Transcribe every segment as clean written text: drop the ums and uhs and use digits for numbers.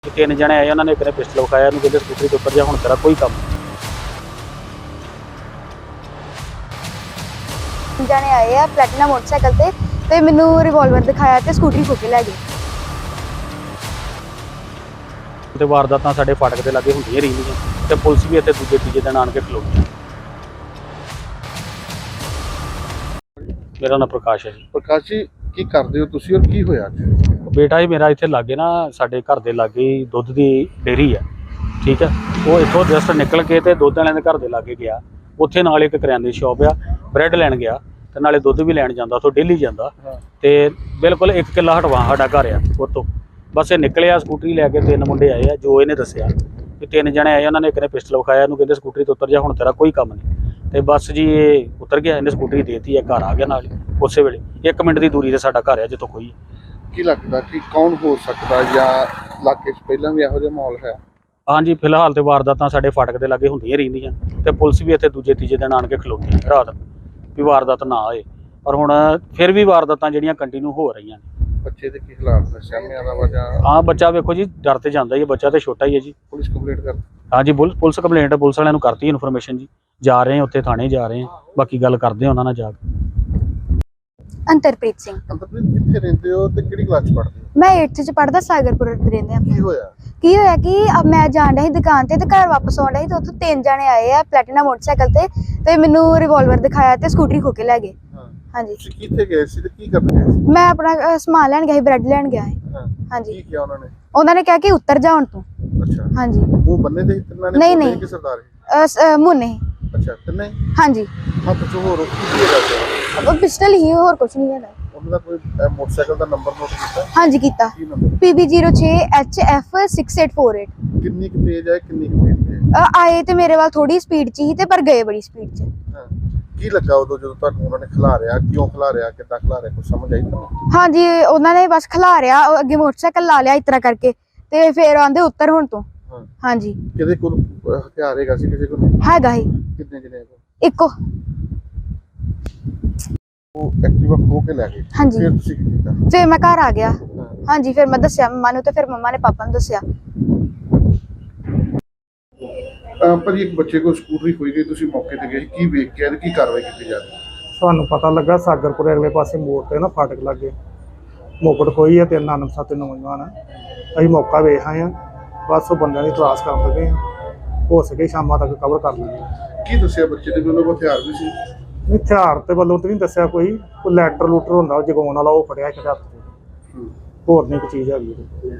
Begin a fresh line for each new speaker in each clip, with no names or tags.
तीन जने आए, उन्होंने एक ने पिस्टल विखाया, कहते स्कूटरी के उपर जा, हुण तेरा कोई काम नहीं।
जने आए आ प्लैटिना मोटरसाइकिल ते मैनू रिवॉल्वर दिखाया ते स्कूटरी खो के लै गए।
ते वारदातां साडे फाटक दे लागे हुंदियां रहिंदियां ते पुलिस भी इत्थे दूजे तीजे दिन आण के खलोती। मेरा नाम प्रकाश है जी।
प्रकाश जी की करदे हो तुसीं और की होया जी?
बेटा जी मेरा इत्थे लागे ना साडे घर दे लागे दुੱਧ दी डेयरी है, ठीक है। वो इत्थों जस्ट निकल के ते दुੱਧ वालिਆਂ ਦੇ घर दे लागे गया, उत्थे नाल एक करियाने दी शॉप आ, ब्रैड लैन गया ते नाले दुੱਧ भी लैन जांदा, उत्थों डेली जांदा ते बिल्कुल 1 किला हटवा साडा घर आ उत्तों। बस ये निकलिया स्कूटरी लैके, 3 मुंडे आए आ जो इहने दस्सिया कि 3 जने आए, उन्होंने एक ने पिस्टल विखाया, कहते स्कूटरी तो उतर जा, हुण तेरा कोई काम नहीं। तो बस जी ये उतर गया, इन्हें स्कूटरी देती है, घर आ गया नाल उस वेले 1 मिनट की दूरी से साडा घर है जितों कोई
की लगदा कि कौन हो सकदा या इलाके 'च पहलां भी इहो जिहा माहौल है?
हाँ जी। फिलहाल तो वारदातां साडे फाटक दे लागे हुंदियां रहिंदियां ते पुलिस भी इत्थे दूजे तीजे दिन आण के खलोती रात भी वारदात ना होए, पर हुण फिर भी वारदातां जिहड़ियां कंटिन्यू हो रहीआं ने।
बच्चे दे की हालात ने सामने दा वजह?
हाँ बच्चा वेखो जी डर ते जांदा ही है, बच्चा तो छोटा ही है जी।
पुलिस कंप्लेंट कर?
हाँ जी पुलिस कंप्लेंट पुलिस वालियां नूं करती इन्फॉर्मेशन जी, जा रहे हैं उत्थे थाने जा रहे हैं, बाकी गल करदे हैं उन्हां नाल जाके।
अंतरप्रीत सिंह
अंतरप्रीत कित्थे रहिंदे हो ते किहड़ी क्लास 'च पढ़दे हो?
मैं 8th च पढ़दा, सागरपुर रहिंदे
की
आ।
होया?
की होया कि अब मैं जाण रही दुकान ते घर वापस आउण रही ते उत्थों 3 जने आए आ प्लैटिना मोटरसाइकिल ते मैनू रिवॉल्वर दिखाया ते स्कूटरी खो के लै गए। हाँ जी।
तुसीं कित्थे गए सी ते की करन गए सी?
मैं अपना समान लैन गया, ब्रैड लैन गया है। हाँ जी।
की किया उन्होंने?
उन्होंने कहा कि उतर जा हुण तू।
अच्छा।
हाँ जी।
मुंह बन्ने दे तिन्नां ने?
नहीं,
बोले
नहीं।
कि सरदार
मुंह नहीं।
अच्छा तिन्ने?
हाँ जी।
हत्थ 'ਚ ਹੋਰ ਕੀ ਹੈਗਾ?
अब पिस्टल ही और कुछ नहीं है।
ਉਹਨਾਂ ਦਾ ਕੋਈ ਮੋਟਰਸਾਈਕਲ ਦਾ ਨੰਬਰ ਨੋਟ ਕੀਤਾ?
हाँ जी कीता।
ਕੀ ਨੰਬਰ?
PB06HF6848।
ਕਿੰਨੀ ਕੁ ਤੇਜ਼ ਹੈ ਕਿੰਨੀ ਕੁ ਤੇਜ਼ ਹੈ?
आए ते मेरे वाल थोड़ी स्पीड च ही ते पर गए बड़ी स्पीड च।
ਹਾਂ। ਕੀ ਲੱਗਾ ਉਦੋਂ ਜਦੋਂ ਤੁਹਾਨੂੰ ਉਹਨਾਂ ਨੇ ਖਿਲਾਰਿਆ, ਕਿਉਂ ਖਿਲਾਰਿਆ, ਕਿੱਦਾਂ ਖਿਲਾਰਿਆ, ਕੁਝ ਸਮਝ ਆਈ ਤੁਹਾਨੂੰ?
हाँ जी उन्होंने बस खिलारिया, अगे मोटरसाइकिल ला लिया इस तरह करके ते फिर आंदे उतर हुण तू।
ਹਾਂ।
हाँ जी।
ਕਿਹਦੇ ਕੋਲ ਹਥਿਆਰ ਹੈਗਾ ਸੀ, ਕਿਸੇ ਕੋਲ?
हैगा ही
ਕਿੰਨੇ ਜਣੇ ਕੋਲ?
इको।
ਉਹ ਐਕਟਿਵਾ ਖੋ ਕੇ ਲੈ ਗਏ?
हाँ जी।
ਫਿਰ ਤੁਸੀਂ ਕੀ ਕੀਤਾ?
फिर मैं घर आ गया।
ਹਾਂ।
हाँ जी। फिर मैं दस्या मम्मा नूं ते फिर मम्मा ने पापा नूं दस्या।
ਪਰ ਇੱਕ ਬੱਚੇ ਕੋਲ ਸਕੂਟਰੀ ਖੋਈ ਗਈ, ਤੁਸੀਂ ਮੌਕੇ ਤੇ ਗਏ, ਕੀ ਵੇਖ ਕੇ ਆਏ, ਕੀ ਕਾਰਵਾਈ ਕੀਤੀ ਜਾ ਰਹੀ?
ਸਾਨੂੰ ਪਤਾ ਲੱਗਾ ਸਾਗਰਪੁਰ ਅਗਲੇ ਪਾਸੇ ਮੋੜ ਤੇ ਨਾ ਫਾਟਕ ਲੱਗੇ ਮੋਕੜ ਖੋਈ ਹੈ ਤੇ ਅਣਪਛਾਤੇ ਨੌਜਵਾਨ ਅਸੀਂ ਮੌਕਾ ਵੇਖ ਆਏ ਆ, ਬਸ ਉਹ ਬੰਦਿਆਂ ਦੀ ਤਲਾਸ਼ ਕਰਨ ਲੱਗੇ ਆ, ਹੋ ਸਕੇ ਸ਼ਾਮਾਂ ਤੱਕ ਕਵਰ ਕਰ ਲਾਂਗੇ।
ਕੀ ਦੱਸਿਆ ਬੱਚੇ ਦੇ ਕੋਲ ਹਥਿਆਰ ਵੀ ਸੀ?
ਹਥਿਆਰ ਤੇ ਵੱਲੋਂ ਤੇ ਨਹੀਂ ਦੱਸਿਆ ਕੋਈ ਲੈਟਰ ਲੂਟਰ ਹੁੰਦਾ ਉਹ ਜਗਾਉਣ ਵਾਲਾ, ਉਹ ਫੜਿਆ ਇੱਕ ਹੱਥ 'ਚ, ਹੋਰ ਨਹੀਂ ਕੋਈ ਚੀਜ਼ ਹੈਗੀ।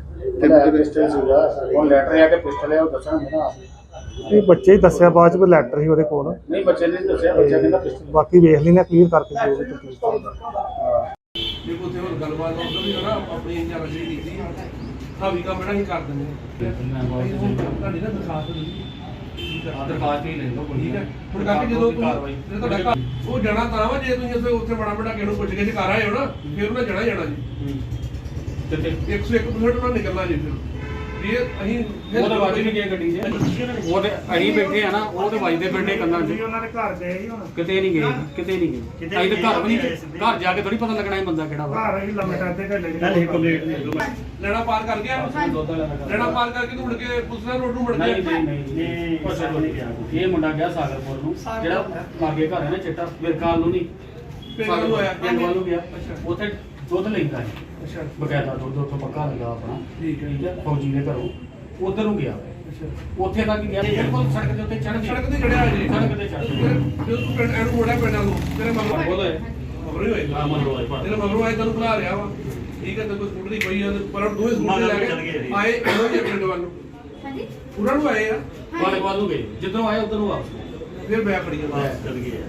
ਹੁਣ ਲੈਟਰ ਆ ਕੇ ਪਿਸਟਲ ਹੈ ਉਹ ਦੱਸਣਗੇ ਨਾ।
ਇਹ ਬੱਚੇ ਹੀ ਦੱਸਿਆ ਬਾਅਦ 'ਚ ਵੀ ਲੈਟਰ ਸੀ ਉਹਦੇ ਕੋਲ,
ਨਹੀਂ ਬੱਚੇ ਨੇ ਦੱਸਿਆ, ਬੱਚਾ ਕਹਿੰਦਾ ਪਿਸਟਲ।
ਬਾਕੀ ਵੇਖ ਲੈਣਾ ਕਲੀਅਰ ਕਰਕੇ ਜੋ ਵੀ ਤਕਲੀਫ
ਦੇਖੋ ਤੇ ਹੁਣ ਗੱਲਬਾਤ ਉਧਰ ਵੀ ਨਾ ਆਪਣੀ ਇੰਜਨ ਰਜੀ ਕੀਤੀ ਹਾਵੀ ਕੰਮ ਜਿਹੜਾ ਹੀ ਕਰ ਦਿੰਦੇ ਤੁਹਾਡੀ ਨਾ ਦਿਖਾ ਦਿਓ ਤੁਸੀਂ
ਦਰਖਾਸਤ ਹੀ ਲੈ ਲਓ ਕੋਈ।
ਠੀਕ ਹੈ। ਹੁਣ ਕਰਕੇ ਜਦੋਂ ਤੁਹਾਡਾ ਉਹ ਜਾਣਾ ਤਾਂ ਵਾ ਜੇ ਤੁਸੀਂ ਉੱਥੇ ਬੜਾ ਬੜਾ ਕਿਸੇ ਨੂੰ ਪੁੱਛ ਕੇ ਕਰ ਆਏ ਹੋ ਨਾ, ਫਿਰ ਉਹਨਾਂ ਜਾਣਾ ਜੀ
ਤੇ
101% ਉਹਨਾਂ ਨਿਕਲਣਾ ਜੀ। ਫਿਰ ਇਹ ਅਸੀਂ
ਉਹਦੇ ਵੱਜ ਨਹੀਂ ਗਏ ਗੱਡੀ 'ਚ, ਉਹਦੇ ਅਸੀਂ ਬੈਠੇ ਆ ਨਾ, ਉਹਦੇ ਵੱਜਦੇ ਫਿਰਦੇ ਕੰਨਾਂ 'ਚ।
ਉਹਨਾਂ ਦੇ ਘਰ ਗਏ ਹੀ ਹੁਣ
ਕਿਤੇ ਨਹੀਂ ਗਏ, ਕਿਤੇ ਨਹੀਂ ਗਏ। ਅਸੀਂ ਤਾਂ ਘਰ ਵੀ ਨਹੀਂ, ਘਰ ਜਾ ਕੇ ਥੋੜੀ ਪਤਾ ਲੱਗਣਾ ਇਹ ਬੰਦਾ ਕਿਹੜਾ ਵਾ।
ਘਰ ਹੀ ਲੰਮੇ ਟਾਦੇ ਘੱਲੇ
ਲੈਣਾ ਪਾਰ ਕਰ ਗਿਆ, ਲੈਣਾ ਪਾਰ ਕਰਕੇ ਤੂੰ ਮੁੜ ਕੇ ਪੁਲਿਸ ਨਾਲ ਰੋਡ ਨੂੰ ਮੁੜ
ਨਹੀਂ
ਗਿਆ।
ਨਹੀਂ ਇਹ ਮੁੰਡਾ ਗਿਆ ਸਾਗਰਪੁਰ ਨੂੰ, ਜਿਹੜਾ ਲਾਗੇ ਘਰ ਹੈ ਨਾ ਚਿੱਟਾ ਵਿਰਕਾਲ ਨੂੰ ਨਹੀਂ,
ਪਿੰਡ ਵੱਲ ਨੂੰ ਆਇਆ।
ਪਿੰਡ ਵੱਲ ਨੂੰ ਗਿਆ,
ਅੱਛਾ।
ਉੱਥੇ ਦੁੱਧ ਲੈਂਦਾ ਹੈ
ਅੱਛਾ।
ਬਕਾਇਦਾ ਦੁੱਧ ਉੱਥੋਂ ਪੱਕਾ ਲੱਗਾ ਆਪਣਾ,
ਠੀਕ ਹੈ।
ਠੀਕ ਹੈ। ਫੌਜੀ ਦੇ ਘਰੋਂ ਉਧਰ ਨੂੰ ਗਿਆ,
ਅੱਛਾ।
ਉੱਥੇ ਤੱਕ ਗਿਆ, ਬਿਲਕੁਲ ਸੜਕ ਦੇ ਉੱਤੇ ਚੜ੍ਹ ਗਿਆ,
ਸੜਕ ਤੇ ਚੜਿਆ ਜੀ,
ਸੜਕ ਤੇ ਚੜ੍ਹ ਗਿਆ।
ਜਦੋਂ ਤੂੰ ਪਿੰਡ ਐਨੂੰ ਮੋੜਿਆ ਪਿੰਡਾਂ ਨੂੰ ਤੇਰੇ ਮਗਰੋਂ
ਬੋਲੇ
ਮਗਰੋਂ ਹੀ ਹੋਏਗਾ।
ਹਾਂ, ਮਗਰੋਂ ਹੋਏ ਭਾਵੇਂ।
ਤੇਰੇ ਮਗਰੋਂ ਆਏ ਤੈਨੂੰ ਬੁਲਾ ਰਿਹਾ ਵਾ, ਠੀਕ ਹੈ। ਤੇ ਕੋਈ ਸਕੂਟਰ ਦੀ ਪਈ ਆ, ਪਰ ਦੋਵੇਂ ਸਕੂਟਰ ਲੈ ਕੇ ਆਏ ਇਹੋ ਜਿਹੇ ਪਿੰਡ ਵੱਲ ਨੂੰ। ਹਾਂਜੀ। ਉਹਨਾਂ ਨੂੰ ਆਏ ਆ,
ਵਾਲੇ ਵੱਲ ਨੂੰ ਗਏ, ਜਿੱਧਰੋਂ ਆਏ ਉਧਰ ਨੂੰ ਵਾਪਸ
ਫਿਰ ਮੈਂ ਫੜੀ ਜਾਂਦਾ।
ਚਲ ਗਏ।